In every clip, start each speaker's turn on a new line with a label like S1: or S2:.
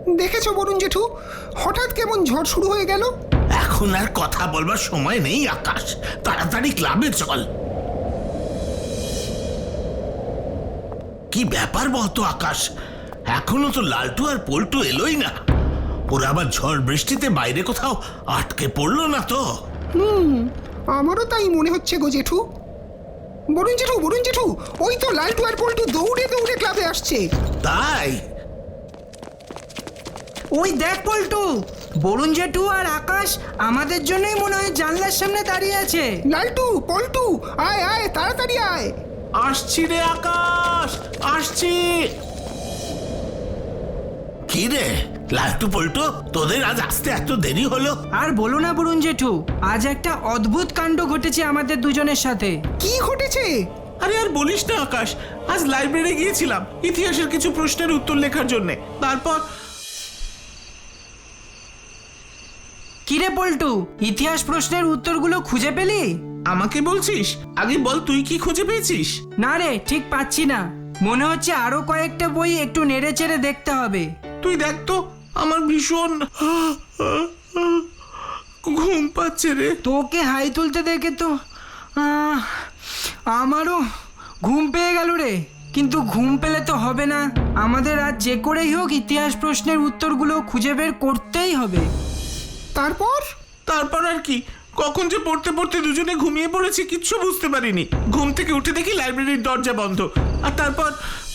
S1: দেখেছো বরুণ জেঠু, হঠাৎ কেমন ঝড় শুরু হয়ে গেল।
S2: এখন আর কথা বলবার সময় নেই আকাশ, তাড়াতাড়ি ক্লাবে চল। কি ব্যাপার বলতো আকাশ, এখনো তো লালটু আর পল্টু এলোই না। ওরা আবার ঝড় বৃষ্টিতে বাইরে কোথাও আটকে পড়লো না তো?
S1: আমারও তাই মনে হচ্ছে গো জেঠু। বরুণ জেঠু, ওই তো লালটু আর পল্টু দৌড়ে দৌড়ে ক্লাবে আসছে।
S2: তাই?
S3: ওই দেখ পল্টু, বরুণ জেঠু আর আকাশ আমাদের জন্যই মনে হয় জানলার সামনে দাঁড়িয়ে আছে।
S1: লালটু, পল্টু, আয় আয়, তাড়াতাড়ি আয়।
S2: আসছি রে আকাশ, আসছি। কি রে লালটু পল্টু, তোদের আজ আসতে এত দেরি হলো?
S3: আর বলো না বরুণ জেঠু, আজ একটা অদ্ভুত কাণ্ড ঘটেছে আমাদের দুজনের সাথে।
S1: কি ঘটেছে?
S4: আরে আর বলিস না আকাশ, আজ লাইব্রেরি গিয়েছিলাম ইতিহাসের কিছু প্রশ্নের উত্তর লেখার জন্য। তারপর
S3: কিরে পল্টু, ইতিহাস প্রশ্নের উত্তরগুলো খুঁজে পেলি?
S4: আমাকে বলছিস? আগে বল তুই কি খুঁজে পেয়েছিস?
S3: না রে, ঠিক পাচ্ছি না। মনে হচ্ছে আরো কয়েকটা বই একটু নেড়ে চেড়ে দেখতে হবে।
S4: তুই দেখ তো, আমার ভীষণ ঘুম পাচ্ছে রে।
S3: তোকে হাই তুলতে দেখে তো আমারও ঘুম পেয়ে গেল রে। কিন্তু ঘুম পেলে তো হবে না, আমাদের আজ যে করেই হোক ইতিহাস প্রশ্নের উত্তরগুলো খুঁজে বের করতেই হবে।
S4: তারপর আর কি, কখন যে পড়তে পড়তে দুজনে ঘুমিয়ে পড়েছি কিচ্ছু বুঝতে পারিনি। ঘুম থেকে উঠে দেখি লাইব্রেরির দরজা বন্ধ। আর তারপর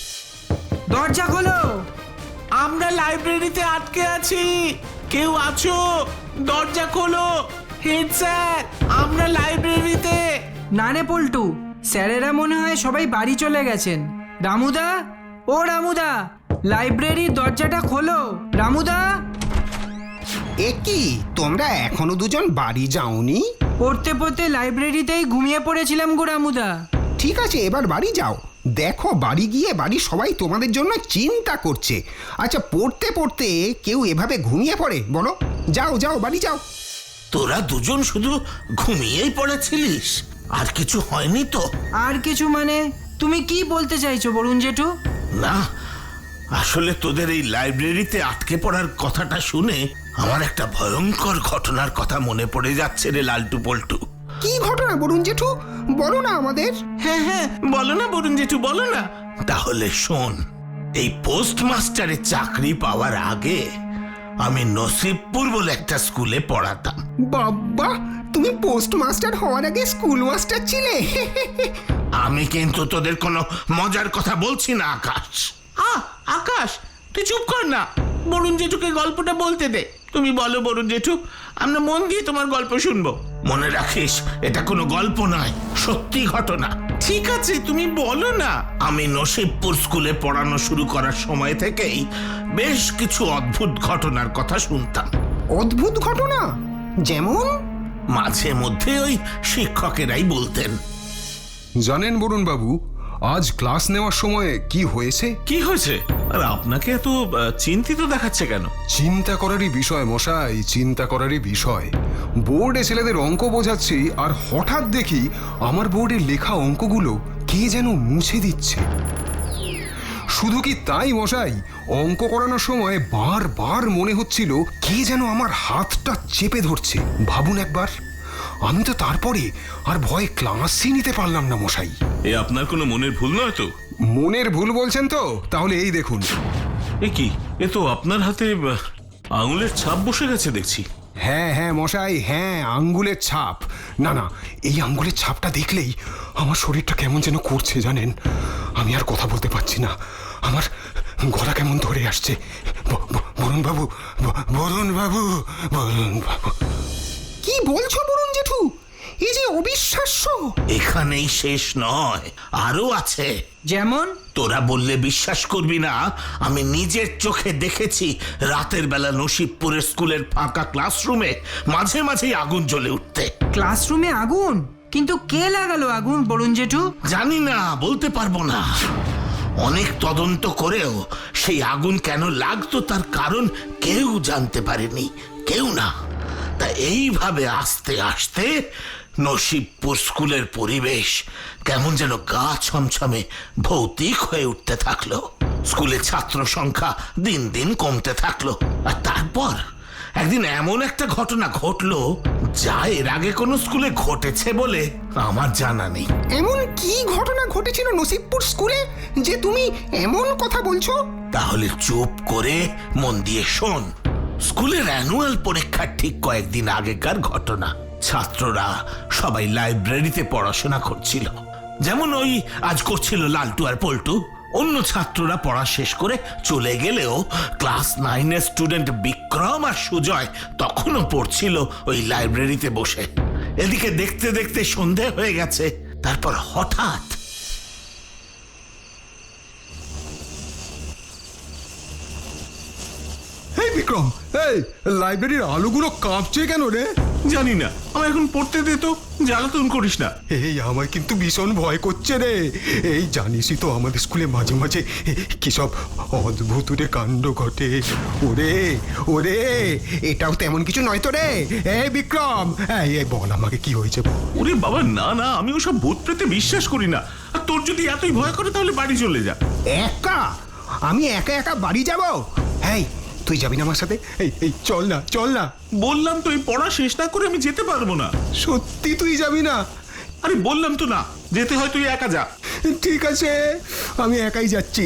S3: দরজা খোলো।
S4: আমরা লাইব্রেরিতে আটকে আছি, কেউ আছো? দরজা খোলো। হেড স্যার, আমরা লাইব্রেরিতে।
S3: না রে পল্টু, স্যারেরা মনে হয় সবাই বাড়ি চলে গেছেন। রামুদা, ও রামুদা, লাইব্রেরির দরজাটা খোলো। রামুদা।
S1: এ কি, তোমরা এখনো দুজন বাড়ি যাওনি?
S3: পড়তে পড়তে লাইব্রেরিতেই ঘুমিয়ে পড়েছিলাম গো রামুদা।
S1: ঠিক আছে, এবার বাড়ি যাও। দেখো, বাড়ি গিয়ে বাড়ির সবাই তোমাদের জন্য চিন্তা করছে। আচ্ছা, পড়তে পড়তে কেউ এভাবে ঘুমিয়ে পড়ে বলো? যাও যাও, বাড়ি যাও।
S2: তোরা দুজন শুধু ঘুমিয়েই পড়েছিলিস, আর কিছু হয়নি তো?
S3: আর কিছু মানে? তুমি কি বলতে চাইছো বরুণ জেঠু?
S2: না, আসলে তোদের এই লাইব্রেরিতে আটকে পড়ার কথাটা শুনে আমার একটা ভয়ঙ্কর ঘটনার কথা মনে পড়ে যাচ্ছে রে লালটু পল্টু।
S1: কি ঘটনা বরুণ জেঠু, বলো না আমাদের।
S4: হ্যাঁ, বলো না বরুণ জেঠু, বলো না।
S2: তাহলে শোন, এই পোস্টমাস্টারের চাকরি পাওয়ার আগে আমি নসিবপুর বলে একটা স্কুলে পড়াতাম।
S1: বাবা, তুমি পোস্টমাস্টার হওয়ার আগে স্কুল মাস্টার ছিলে?
S2: আমি কিন্তু তোদের কোনো মজার কথা বলছি না আকাশ।
S4: আকাশ, তুই চুপ কর না, বরুণ জেঠুকে গল্পটা বলতে দে। তুমি বলো বরুণ জেঠু, আমরা মন দিয়ে তোমার গল্প শুনবো।
S2: মনে রাখিস, এটা কোনো গল্প নয়, সত্যি ঘটনা।
S4: ঠিক আছে, তুমি বলো না।
S2: আমি নসিবপুর স্কুলে পড়ানো শুরু করার সময় থেকেই বেশ কিছু অদ্ভুত ঘটনার কথা শুনতাম।
S1: অদ্ভুত ঘটনা? যেমন?
S2: মাঝে মধ্যে ওই শিক্ষকেরাই বলতেন।
S5: জানেন বরুণ বাবু, আজ ক্লাস নেওয়ার সময় কি হয়েছে?
S4: কি হয়েছে? আর আপনাকে এত চিন্তিত দেখাচ্ছে কেন?
S5: চিন্তা করারই বিষয় মশাই, চিন্তা করারই বিষয়। বোর্ডে ছেলেদের অঙ্ক বোঝাচ্ছি, আর হঠাৎ দেখি আমার বোর্ডে লেখা অঙ্কগুলো কে যেন মুছে দিচ্ছে। শুধু কি তাই মশাই, অঙ্ক করানোর সময় বারবার মনে হচ্ছিল কে যেন আমার হাতটা চেপে ধরছে। ভাবুন একবার, আমি তো তারপরে আর ভয়ে ক্লাসই নিতে পারলাম না মশাই।
S4: এ আপনার কোনো মনের ভুল নয় তো?
S5: মনের ভুল বলছেন তো? তাহলে এই দেখুন।
S4: এ কি, এ তো আপনার হাতে আঙুলের ছাপ বসে গেছে দেখছি।
S5: হ্যাঁ হ্যাঁ মশাই, হ্যাঁ, আঙ্গুলের ছাপ। না না, এই আঙ্গুলের ছাপটা দেখলেই আমার শরীরটা কেমন যেন করছে জানেন। আমি আর কথা বলতে পারছি না, আমার গলা কেমন ধরে আসছে। বরুণ বাবু, বরুণ বাবু, বরুণ বাবু।
S1: কি বলছো বরুণ জেঠু? এই যে অবিশ্বাস্য।
S2: এখানেই শেষ নয়, আরো আছে।
S3: যেমন?
S2: তোরা বললে বিশ্বাস করবি না, আমি নিজের চোখে দেখেছি রাতের বেলা নসিবপুরের স্কুলের ফাঁকা ক্লাসরুমে মাঝে মাঝেই আগুন জ্বলে উঠতে।
S3: ক্লাসরুমে আগুন? কিন্তু কে লাগালো আগুন বরুণ জেঠু?
S2: জানি না, বলতে পারবো না। অনেক তদন্ত করেও সেই আগুন কেন লাগতো তার কারণ কেউ জানতে পারেনি, কেউ না। তা এইভাবে আস্তে আস্তে নসিবপুর স্কুলের পরিবেশ কেমন যেন গা ছমছমে ভৌতিক হয়ে উঠতে থাকলো। স্কুলে ছাত্র সংখ্যা দিন দিন কমতে থাকলো। আর তারপর একদিন এমন একটা ঘটনা ঘটলো যা এর আগে কোনো স্কুলে ঘটেছে বলে আমার জানা নেই।
S1: এমন কি ঘটনা ঘটেছিল নসিবপুর স্কুলে যে তুমি এমন কথা বলছো?
S2: তাহলে চুপ করে মন দিয়ে শোন। স্কুলের অ্যানুয়াল পরীক্ষার ঠিক কয়েকদিন আগেকার ঘটনা। ছাত্ররা সবাই লাইব্রেরিতে পড়াশোনা করছিল, যেমন ওই আজ করছিল লালটু আর পল্টু। অন্য ছাত্ররা পড়া শেষ করে চলে গেলেও ক্লাস 9-এর স্টুডেন্ট বিক্রম আর সুজয় তখনও পড়ছিল ওই লাইব্রেরিতে বসে। এদিকে দেখতে দেখতে সন্ধে হয়ে গেছে। তারপর হঠাৎ
S5: এই বিক্রম, এই লাইব্রেরির আলোগুলো কাঁপছে কেন রে?
S4: জানি না, আমার এখন পড়তে দে তো, জ্বালাতন করিস না।
S5: এই আমার কিন্তু ভীষণ ভয় করছে রে। এই জানিসই তো আমাদের স্কুলে মাঝে মাঝে কি সব অদ্ভুত রে কাণ্ড ঘটে।
S1: ওরে ওরে, এটাও তেমন কিছু নয় তো রে। এই বিক্রম, এই বল আমাকে কি হয়েছে বল।
S4: ওরে বাবা, না না, আমি ওসব ভূত প্রেতে বিশ্বাস করি না। আর তোর যদি এতই ভয় করে তাহলে বাড়ি চলে যা।
S1: একা? আমি একা একা বাড়ি যাব? এই তুই যাবি না আমার সাথে?
S5: এই চল না, চল না।
S4: বললাম তো, এই পড়া শেষ না করে আমি যেতে পারবো না।
S5: সত্যি তুই যাবি না?
S4: আরে বললাম তো না, যেতে হয় তুই একা যা।
S5: ঠিক আছে, আমি একাই যাচ্ছি।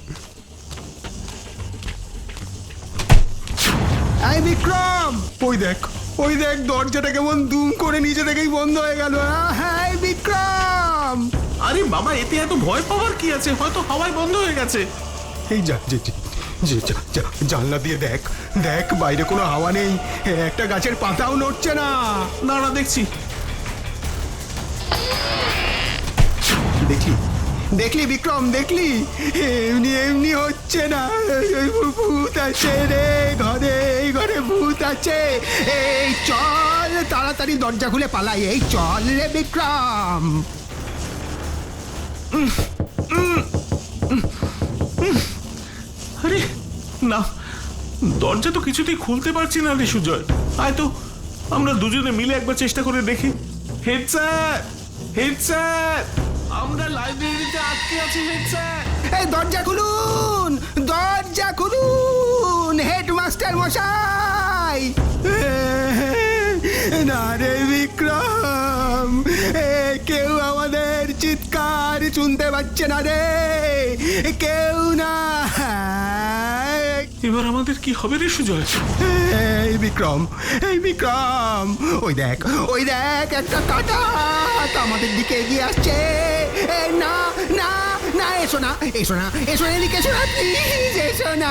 S1: এই বিক্রম,
S5: ওই দেখ দরজাটা কেমন দুম করে নিজে থেকেই বন্ধ হয়ে গেল।
S1: হ্যাঁ বিক্রম।
S4: আরে বাবা, এতে এত ভয় পাওয়ার কি আছে? হয়তো হাওয়ায় বন্ধ হয়ে গেছে।
S5: এই জানলা দিয়ে দেখ, বাইরে কোনো হাওয়া নেই, একটা গাছের পাতাও নড়ছে না।
S4: না না, দেখছি।
S1: দেখলি বিক্রম, দেখলি? এমনি হচ্ছে না। ভূত আছে রে ঘরে, এই ঘরে ভূত আছে। এই চল তাড়াতাড়ি দরজা খুলে পালাই। এই চল রে বিক্রম।
S4: আরে না, দরজা তো কিছুতেই খুলতে পারছি না রে সুজয়। আয় তো, আমরা দুজনে মিলে একবার চেষ্টা করে দেখি। হেড স্যার, আমরা লাইব্রেরিতে আটকে আছি। হেড স্যার,
S1: এই দরজা খুলুন, দরজা খুলুন, হেডমাস্টার মশাই। না রে বিক্রম, কেউ আমাদের চিৎকার শুনতে পাচ্ছে না রে, কেউ না।
S4: এবার আমাদের কি হবে রে সুজয়?
S1: এই বিক্রম, ওই দেখ একটা কাটা আমাদের দিকে এগিয়ে আসছে। না না না, এসো না, এদিকে এসো না, প্লিজ এসো না।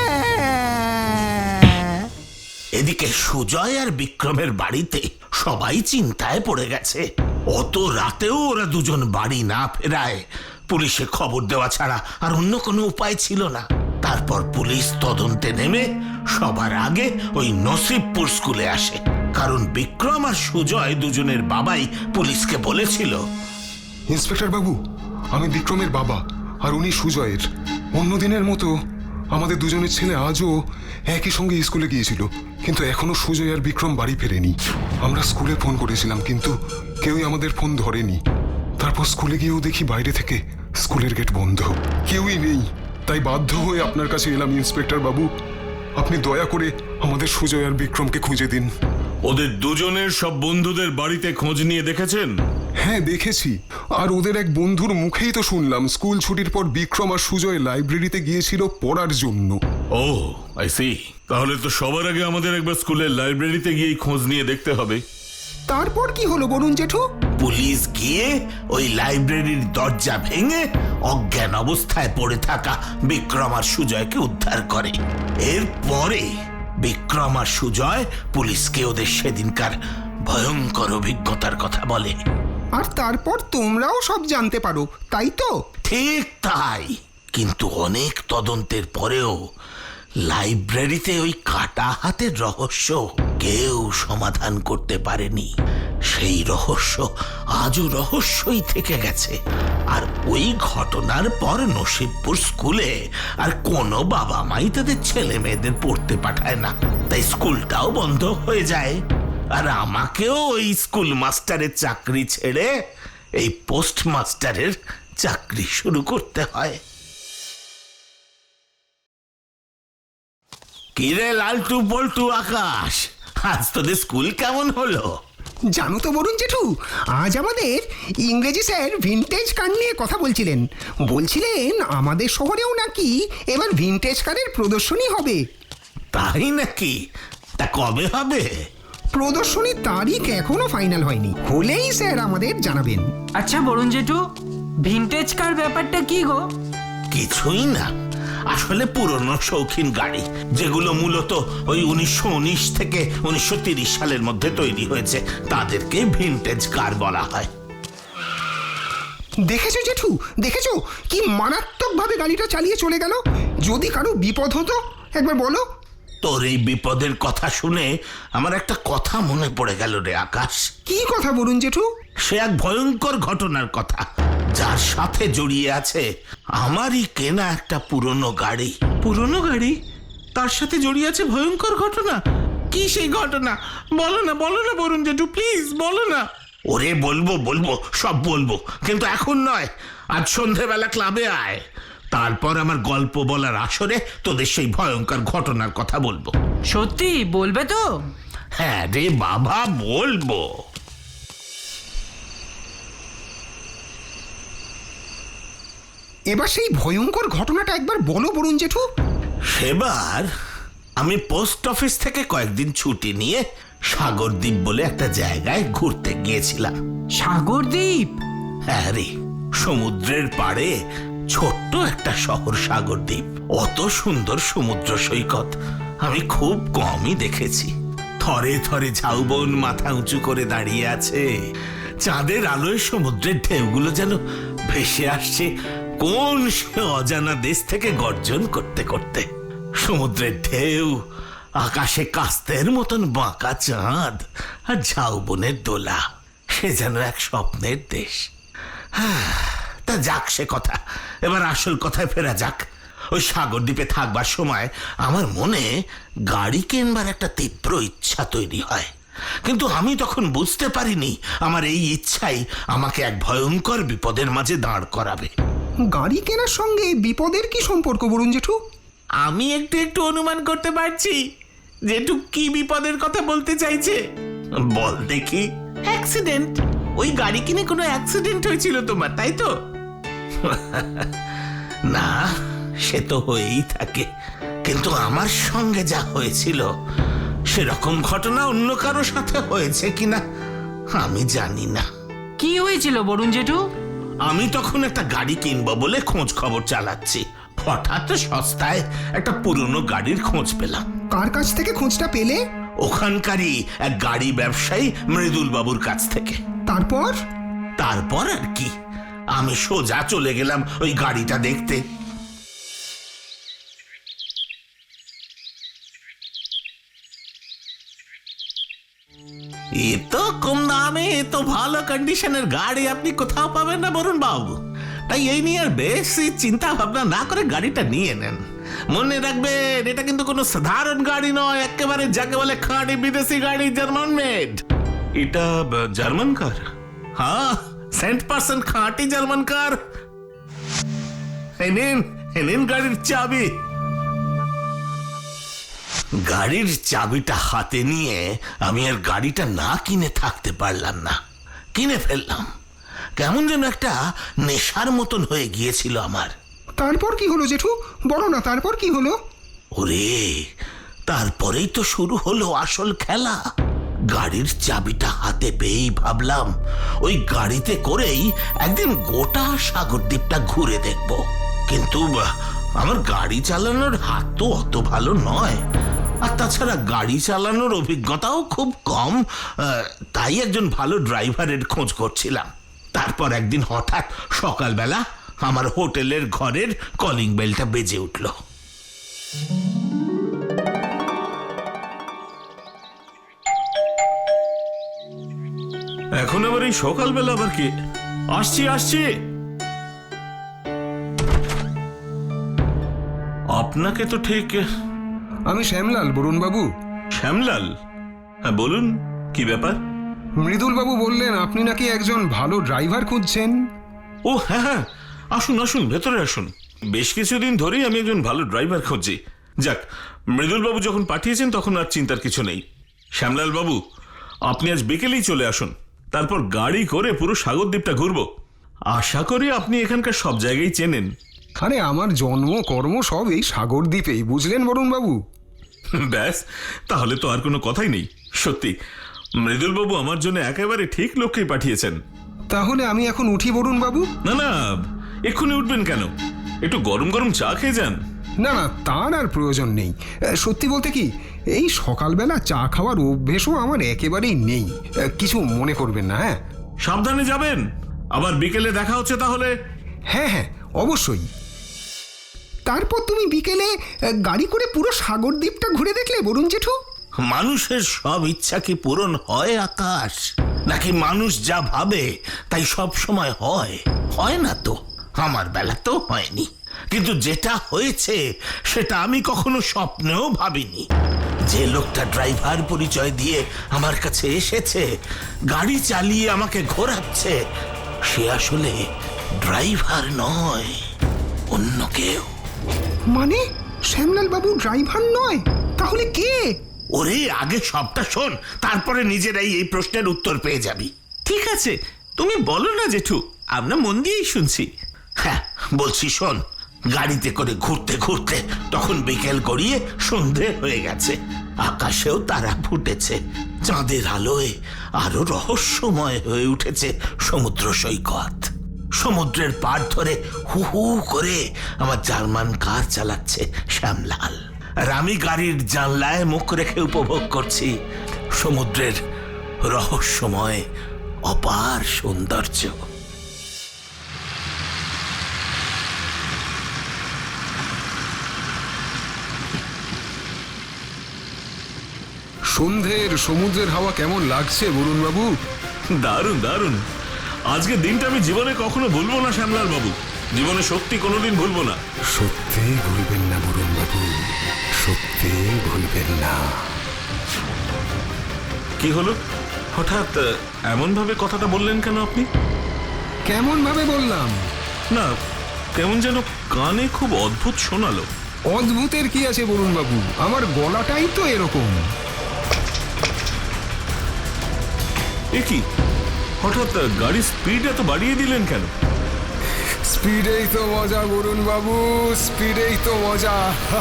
S2: এদিকে সুজয় আর বিক্রমের বাড়িতে সবাই চিন্তায় পড়ে গেছে। অত রাতেও ওরা দুজন বাড়ি না ফেরায় পুলিশে খবর দেওয়া ছাড়া আর অন্য কোনো উপায় ছিল না। তারপর পুলিশ তদন্তে নেমে সবার আগে ওই নসিবপুর স্কুলে আসে, কারণ বিক্রম আর সুজয় দুজনের বাবাই পুলিশকে বলেছিল,
S5: ইন্সপেক্টর বাবু, আমি বিক্রমের বাবা আর উনি সুজয়ের। অন্যদিনের মতো আমাদের দুজনের ছেলে আজও একই সঙ্গে স্কুলে গিয়েছিল, কিন্তু এখনো সুজয় আর বিক্রম বাড়ি ফেরেনি। আমরা স্কুলে ফোন করেছিলাম, কিন্তু কেউই আমাদের ফোন ধরেনি। তারপর স্কুলে গিয়েও দেখি বাইরে থেকে স্কুলের গেট বন্ধ, কেউই নেই। তাই বাধ্য হয়ে আপনার কাছে এলাম ইন্সপেক্টর বাবু। আপনি দয়া করে আমাদের সুজয় আর বিক্রমকে খুঁজে দিন।
S6: ওদের দুজনের সব বন্ধুদের বাড়িতে খোঁজ নিয়ে দেখেছেন?
S5: হ্যাঁ দেখেছি, আর ওদের এক বন্ধুর মুখেই তো শুনলাম স্কুল ছুটির পর বিক্রম আর সুজয় লাইব্রেরিতে গিয়েছিল পড়ার জন্য।
S6: Oh I see. তাহলে তো সবার আগে আমাদের একবার স্কুলের লাইব্রেরিতে গিয়েই খোঁজ নিয়ে দেখতে হবে।
S1: তারপর কি হলো বলুন জেঠু?
S2: পুলিশ গিয়ে ওই লাইব্রেরির দরজা ভেঙে অজ্ঞান অবস্থায় পড়ে থাকা বিক্রম আর সুজয়কে উদ্ধার করে। এরপরে বিক্রম আর সুজয় পুলিশকে ওদের সেদিনকার ভয়ঙ্কর অভিজ্ঞতার কথা বলে।
S1: আর তারপর তোমরাও সব জানতে পারো, তাই তো?
S2: ঠিক তাই, কিন্তু অনেক তদন্তের পরেও লাইব্রেরিতে ওই কাটা হাতের রহস্য কেউ সমাধান করতে পারেনি। সেই রহস্য আজও রহস্যই থেকে গেছে। আর ওই ঘটনার পর নসিবপুর স্কুলে আর কোনো বাবা মাই তাদের ছেলে মেয়েদের পড়তে পাঠায় না, তাই স্কুলটাও বন্ধ হয়ে যায়। আর আমাকেও ওই স্কুল মাস্টারের চাকরি ছেড়ে এই পোস্ট মাস্টারের চাকরি শুরু করতে হয়। কিরে লালটু পল্টু আকাশ, আজ তোদের স্কুল কেমন হলো?
S1: জানো তো বরুণ জেঠু, আজ আমাদের ইংরেজি স্যার ভিনটেজ কার নিয়ে কথা বলছিলেন। বলছিলেন আমাদের শহরেও নাকি এবার ভিনটেজ কারের প্রদর্শনী হবে।
S2: তাই নাকি? তা কবে হবে?
S1: প্রদর্শনীর তারিখ এখনো ফাইনাল হয়নি, হলেই স্যার আমাদের জানাবেন।
S3: আচ্ছা বরুণ জেঠু, ভিনটেজ কার ব্যাপারটা কি গো?
S2: কিছুই না, আসলে পুরনো শৌখিন গাড়ি যেগুলো মূলত ওই 1919 থেকে 1930 সালের মধ্যে তৈরি হয়েছে তাদেরকে ভিনটেজ কার বলা হয়।
S1: দেখেছো জেঠু, দেখেছো কি মারাত্মক ভাবে গাড়িটা চালিয়ে চলে গেল? যদি কারো বিপদ হতো, একবার বলো।
S2: তোর এই বিপদের কথা শুনে আমার একটা কথা মনে পড়ে গেল রে আকাশ।
S1: কি কথা বরুণ জেঠু?
S2: সে এক ভয়ঙ্কর ঘটনার কথা, যার সাথে জড়িয়ে আছে আমারই কেনা একটা পুরনো গাড়ি।
S4: পুরনো গাড়ি, তার সাথে জড়িয়ে আছে ভয়ঙ্কর ঘটনা? কি সেই ঘটনা? বলো না বরুণ জেঠু, প্লিজ বলো না।
S2: ওরে বলবো সব বলবো, কিন্তু এখন নয়। আজ সন্ধেবেলা ক্লাবে আয়, তারপর আমার গল্প বলার আসরে তোদের সেই ভয়ঙ্কর ঘটনার কথা বলবো।
S3: সত্যি বলবে তো?
S2: হ্যাঁ রে বাবা, বলবো।
S1: এবার সেই ভয়ঙ্কর ঘটনাটা একবার বলো বরুণ জেঠু।
S2: সেবার আমি পোস্ট অফিস থেকে কয়েকদিন ছুটি নিয়ে সাগরদ্বীপ বলে একটা জায়গায় ঘুরতে গিয়েছিলাম।
S3: সাগরদ্বীপ?
S2: হ্যাঁ রে, সমুদ্রের পাড়ে ছোট্ট একটা শহর সাগরদ্বীপ। অত সুন্দর সমুদ্র সৈকত আমি খুব কমই দেখেছি। থরে থরে ঝাউবন মাথা উঁচু করে দাঁড়িয়ে আছে, চাঁদের আলোয় সমুদ্রের ঢেউগুলো যেন ভেসে আসছে কোন সে অজানা দেশ থেকে গর্জন করতে করতে। সমুদ্রের ঢেউ, আকাশে কাস্তের মতন বাঁকা চাঁদ, আর ঝাউবনের দোলা, সে যেন এক স্বপ্নের দেশ। তা যাক সে কথা, এবার আসল কথায় ফেরা যাক। ওই সাগরদ্বীপে থাকবার সময় আমার মনে গাড়ি কিনবার একটা তীব্র ইচ্ছা তৈরি হয়, কিন্তু আমি তখন বুঝতে পারিনি আমার এই ইচ্ছাই আমাকে এক ভয়ঙ্কর বিপদের মাঝে দাঁড় করাবে।
S1: গাড়ি কেনার সঙ্গে বিপদের কি সম্পর্ক বরুণ জেঠু?
S4: আমি একটু অনুমান করতে পারছি জেঠু কি বিপদের কথা বলতে চাইছে।
S2: বল দেখি।
S4: অ্যাক্সিডেন্ট। ওই গাড়ি কিনে কোনো অ্যাক্সিডেন্ট হয়েছিল তোমার, তাই তো?
S2: না, সে তো হয়েই থাকে, কিন্তু আমার সঙ্গে যা হয়েছিল সেরকম ঘটনা অন্য কারো সাথে হয়েছে কিনা আমি জানি না।
S3: কি হয়েছিল বরুণ জেঠু?
S2: আমি তখন একটা গাড়ি কিনবো বলে খোঁজ খবর চালাচ্ছি, হঠাৎ সস্তায় একটা পুরনো গাড়ির খোঁজ পেলাম।
S1: কার কাছ থেকে খোঁজটা পেলে?
S2: ওখানকারই এক গাড়ি ব্যবসায়ী মৃদুল বাবুর কাছ থেকে।
S1: তারপর?
S2: তারপর আর কি, আমি সোজা চলে গেলাম ওই গাড়িটা দেখতে।
S4: এ তো কম দামে এত ভালো কন্ডিশনের গাড়ি আপনি কোথাও পাবেন না বরুণ বাবু। তাই এই নিয়ে আর বেশি চিন্তা ভাবনা না করে গাড়িটা নিয়ে নেন। মনে রাখবেন, এটা কিন্তু কোনো সাধারণ গাড়ি নয়, একেবারে যাকে বলে খাঁটি বিদেশি গাড়ি, জার্মান মেড।
S6: এটা জার্মান কার?
S4: হ্যাঁ, 100% খাঁটি জার্মান কার। এই নিন গাড়ির চাবি।
S2: গাড়ির চাবিটা হাতে নিয়ে আমি আর গাড়িটা না কিনে থাকতে পারলাম না, কিনে ফেললাম। কেমন যেন একটা নেশার মতন হয়ে গিয়েছিল আমার।
S1: তারপর কি হলো জেঠু, বলো না তারপর কি হলো?
S2: ওরে, তারপরেই তো শুরু হলো আসল খেলা। গাড়ির চাবিটা হাতে পেয়েই ভাবলাম ওই গাড়িতে করেই একদিন গোটা সাগরদ্বীপটা ঘুরে দেখব। কিন্তু আমার গাড়ি চালানোর হাত তো অত ভালো নয়, আর তাছাড়া গাড়ি চালানোর অভিজ্ঞতাও খুব কম। তাই একজন ভালো ড্রাইভারের খোঁজ করছিলাম। তারপর একদিন হঠাৎ সকালবেলা আমার হোটেলের ঘরের কলিং বেলটা বেজে উঠল।
S6: এখন আবার এই সকালবেলা আবার কি? আসছি। আপনাকে তো ঠিক।
S5: আমি শ্যামলাল, বরুণ বাবু।
S6: শ্যামলাল? হ্যাঁ বলুন, কি ব্যাপার?
S5: মৃদুল বাবু বললেন আপনি নাকি একজন ভালো ড্রাইভার খুঁজছেন।
S6: ও হ্যাঁ, আসুন ভেতরে আসুন। বেশ কিছুদিন ধরেই আমি একজন ভালো ড্রাইভার খুঁজছি।
S4: যাক, মৃদুল বাবু যখন পাঠিয়েছেন তখন আর চিন্তার কিছু নেই। শ্যামলাল বাবু, আপনি আজ বিকেলেই চলে আসুন, তারপর গাড়ি করে পুরো সাগরদ্বীপটা ঘুরবো। আশা করি আপনি এখানকার সব জায়গায় চেনেন।
S5: আরে আমার জন্ম কর্ম সব এই সাগরদ্বীপেই, বুঝলেন বরুণ বাবু?
S4: ব্যাস, তাহলে তো আর কোনো কথাই নেই। সত্যি মৃদুল বাবু আমার জন্য একেবারে ঠিক লোককেই পাঠিয়েছেন।
S5: তাহলে আমি এখন উঠি বরুণ বাবু?
S4: না না, এক্ষুনি উঠবেন কেন? একটু গরম গরম চা খেয়ে যান।
S5: না না, তার আর প্রয়োজন নেই। সত্যি বলতে কি, এই সকালবেলা চা খাওয়ার অভ্যেসও আমার একেবারেই নেই। কিছু মনে করবেন না। হ্যাঁ
S4: সাবধানে যাবেন, আবার বিকেলে দেখা হচ্ছে তাহলে।
S5: হ্যাঁ হ্যাঁ, অবশ্যই। তারপর তুমি বিকেলে গাড়ি করে পুরো সাগরদ্বীপটা ঘুরে দেখলে বরুণ জেঠু?
S2: মানুষের সব ইচ্ছা কি পূরণ হয় আকাশ? নাকি মানুষ যা ভাবে তাই সব সময় হয়? হয় না তো, আমার বেলাতেও হয়নি। কিন্তু যেটা হয়েছে সেটা আমি কখনো স্বপ্নেও ভাবিনি। যে লোকটা ড্রাইভার পরিচয় দিয়ে আমার কাছে এসেছে, গাড়ি চালিয়ে আমাকে ঘোরাচ্ছে, সে আসলে ড্রাইভার নয়, অন্য কেউ।
S5: মানে শ্যামলাল বাবু ড্রাইভার নয়? তাহলে কে?
S2: ওরে, আগে সবটা শোন, তারপরে নিজেরাই এই প্রশ্নের উত্তর পেয়ে যাবি।
S4: ঠিক আছে, তুমি বলো না জেঠু, আমরা মন দিয়েই শুনছি।
S2: হ্যাঁ বলছি, শোন। গাড়িতে করে ঘুরতে ঘুরতে তখন বিকেল গড়িয়ে সন্ধে হয়ে গেছে। আকাশেও তারা ফুটেছে, চাঁদের আলোয় আরো রহস্যময় হয়ে উঠেছে সমুদ্র সৈকত। সমুদ্রের পাড় ধরে হু হু করে আমার জার্মান কার চালাচ্ছে শ্যামলাল, আর আমি গাড়ির জানলায় মুখ রেখে উপভোগ করছি সমুদ্রের রহস্যময় অপার সৌন্দর্য।
S5: সন্ধ্যের সমুদ্রের হাওয়া কেমন লাগছে বরুণ বাবু?
S4: দারুণ দারুণ। আজকে দিনটা আমি জীবনে কখনো ভুলবো না শ্যামলাল বাবু, জীবনে সত্যি কোনোদিন ভুলবো না।
S5: সত্যি ভুলবেন না বরুণ বাবু, সত্যি ভুলবেন না।
S4: কি হলো, হঠাৎ এমন ভাবে কথাটা বললেন কেন আপনি?
S5: কেমন ভাবে বললাম?
S4: না, কেমন যেন কানে খুব অদ্ভুত শোনালো।
S5: অদ্ভুতের কি আছে বরুণ বাবু, আমার গলাটাই তো এরকম।
S4: এ কি, হঠাৎ গাড়ির স্পিড এত বাড়িয়ে দিলেন কেন?
S5: স্পিডেই তো মজা বরুণ বাবু, স্পিডেই তো মজা।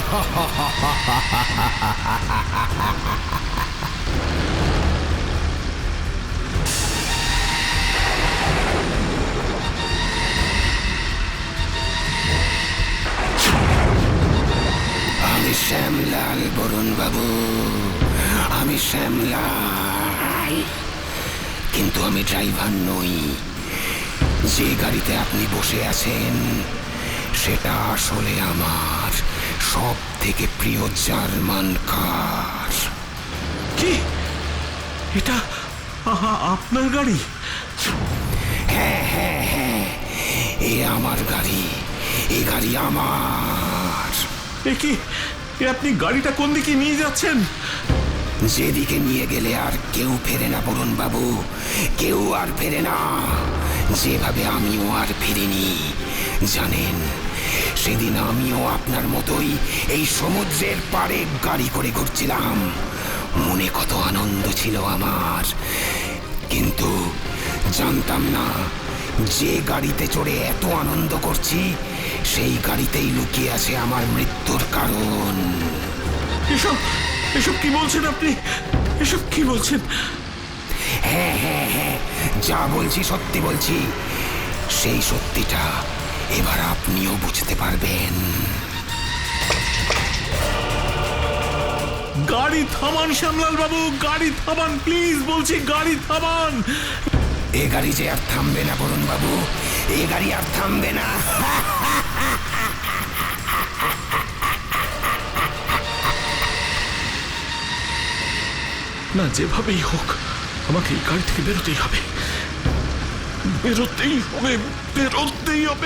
S5: আমি শ্যামলাল বরুণ বাবু, আমি শ্যামলাল, কিন্তু আমি ড্রাইভার নই। যে গাড়িতে আপনি বসে আছেন সেটা আসলে আমার সব থেকে প্রিয় জার্মান কার।
S4: কি, এটা আপনার গাড়ি?
S5: হ্যাঁ হ্যাঁ হ্যাঁ, এ আমার গাড়ি, এ গাড়ি আমার।
S4: এ কি, এ আপনি গাড়িটা কোন দিকে নিয়ে যাচ্ছেন?
S5: যেদিকে নিয়ে গেলে আর কেউ ফেরে না বরুণ বাবু, কেউ আর ফেরে না। যেভাবে আমিও আর ফিরিনি জানেন, সেদিন আমিও আপনার মতোই এই সমুদ্রের পাড়ে গাড়ি করে ঘুরছিলাম। মনে কত আনন্দ ছিল আমার, কিন্তু জানতাম না যে গাড়িতে চড়ে এত আনন্দ করছি সেই গাড়িতেই লুকিয়ে আছে আমার মৃত্যুর কারণ।
S4: এসব এসব কি বলছেন আপনি? এসব কি বলছেন?
S5: হ্যাঁ হ্যাঁ হ্যাঁ, যা বলছি সত্যি বলছি। সেই সত্যিটা এবার আপনিও বুঝতে পারবেন।
S4: গাড়ি থামান শ্যামলাল বাবু, গাড়ি থামান প্লিজ, বলছি গাড়ি থামান।
S5: এ গাড়ি যে আর থামবে না বরুণ বাবু, এ গাড়ি আর থামবে না।
S4: না, যেভাবেই হোক আমাকে এই গাড়ি থেকে বেরোতেই হবে, বেরোতেই হবে, বেরোতেই হবে।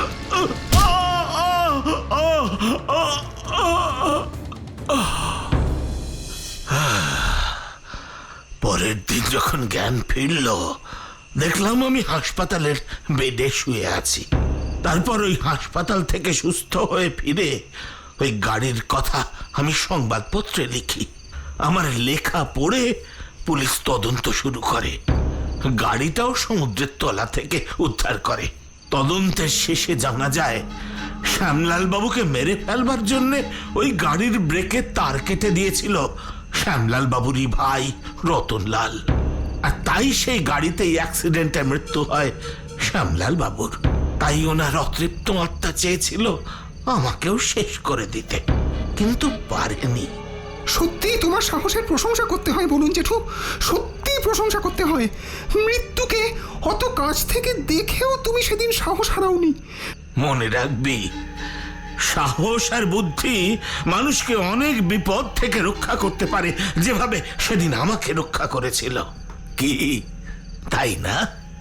S2: পরের দিন যখন জ্ঞান ফিরল, দেখলাম আমি হাসপাতালের বেডে শুয়ে আছি। তারপর ওই হাসপাতাল থেকে সুস্থ হয়ে ফিরে ওই গাড়ির কথা আমি সংবাদপত্রে লিখি। আমার লেখা পড়ে পুলিশ তদন্ত শুরু করে, গাড়িটাও সমুদ্রের তলা থেকে উদ্ধার করে। তদন্তের শেষে জানা যায় শ্যামলাল বাবুকে মেরে ফেলবার জন্য ওই গাড়ির ব্রেকের তার কেটে দিয়েছিল শ্যামলাল বাবুরই ভাই রতনলাল, আর তাই সেই গাড়িতেই অ্যাক্সিডেন্টে মৃত্যু হয় শ্যামলাল বাবুর। তাই ওনার অতৃপ্ত আত্মা চেয়েছিল আমাকেও শেষ করে দিতে, কিন্তু পারেনি।
S1: সত্যি তোমার সাহসের প্রশংসা করতে হয় বলুন জেঠু, সত্যি প্রশংসা করতে হয়। মৃত্যুকে অত কাছ থেকে দেখেও তুমি সেদিন সাহস হারাওনি।
S2: মনে রাখবি, সাহস আর বুদ্ধি মানুষকে অনেক বিপদ থেকে রক্ষা করতে পারে, যেভাবে সেদিন আমাকে রক্ষা করেছিল। কি তাই না?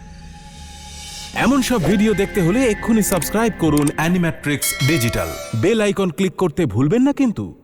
S7: এমন সব ভিডিও দেখতে হলে এক্ষুনি সাবস্ক্রাইব করুন Animatrix digital. Bell icon click করতে ভুলবেন না কিন্তু।